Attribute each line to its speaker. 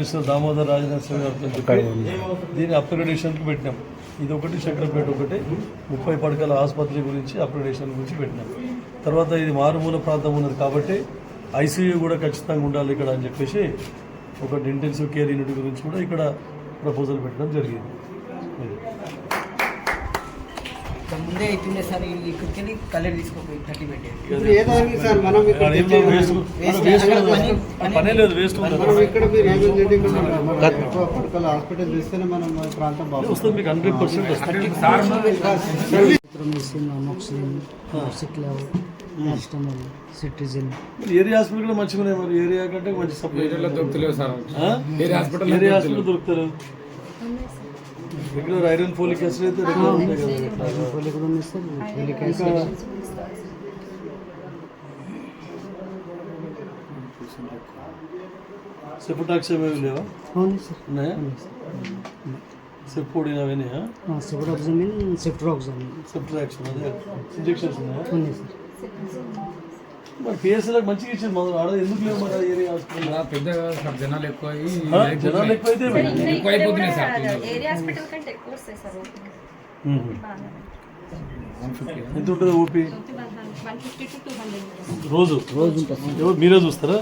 Speaker 1: Minister Damodar Rajanarasimha గారితో చెప్పి దీన్ని అప్గ్రేడేషన్కి పెట్టినాం. ఇది ఒకటి, శంకరపేట ఒకటి 30 పడకల ఆసుపత్రి గురించి అప్గ్రేడేషన్ గురించి పెట్టినాం. తర్వాత ఇది మారుమూల ప్రాంతం ఉన్నది కాబట్టి ఐసీయూ కూడా ఖచ్చితంగా ఉండాలి ఇక్కడ అని చెప్పేసి ఒకటి ఇంటెన్సివ్ కేర్ యూనిట్ గురించి కూడా ఇక్కడ ప్రపోజల్ పెట్టడం జరిగింది.
Speaker 2: ముందే అవుతుండే సార్, ఇక్కడికి వెళ్ళి కలర్ తీసుకోపోయి 30 పెట్టేది.
Speaker 1: పనే లేదు, వేస్ట్
Speaker 3: హాస్పిటల్ చేస్తేనే మనం ప్రాంతం
Speaker 1: వస్తుంది మీకు 100% వస్తుంది.
Speaker 2: సిటిజన్
Speaker 1: ఏరియా హాస్పిటల్ కూడా మంచిగా ఉన్నాయి. మరి ఏరియా కంటే మంచి సప్లై
Speaker 4: దొరుకుతలేవు సార్.
Speaker 1: ఏరియా హాస్పిటల్ దొరుకుతారు. రెగ్యులర్ ఐరన్ ఫోలిక్ యాసిడ్ అయితే రెగ్యులర్ ఉంటాయి కదా. సెపోటాక్స్ ఏమేమి లేవా? ఉన్నాయా? సెపోడిన్ అవన్నీ సెప్ట్రాక్షన్ అదే ఇంజెక్షన్స్ ఉన్నాయా? మరి పిఎస్ఎల్కి మంచిగా ఇచ్చింది. మొదలు ఆడ ఎందుకు లేవు మరి ఏరియా హాస్పిటల్?
Speaker 4: పెద్దగా సార్ జనాలు ఎక్కువ
Speaker 1: జనాలు ఎక్కువైతే
Speaker 4: అయిపోతున్నాయి సార్.
Speaker 1: ఎంత ఉంటుంది ఓపీ? రోజు ఎవరు మీరే చూస్తారా?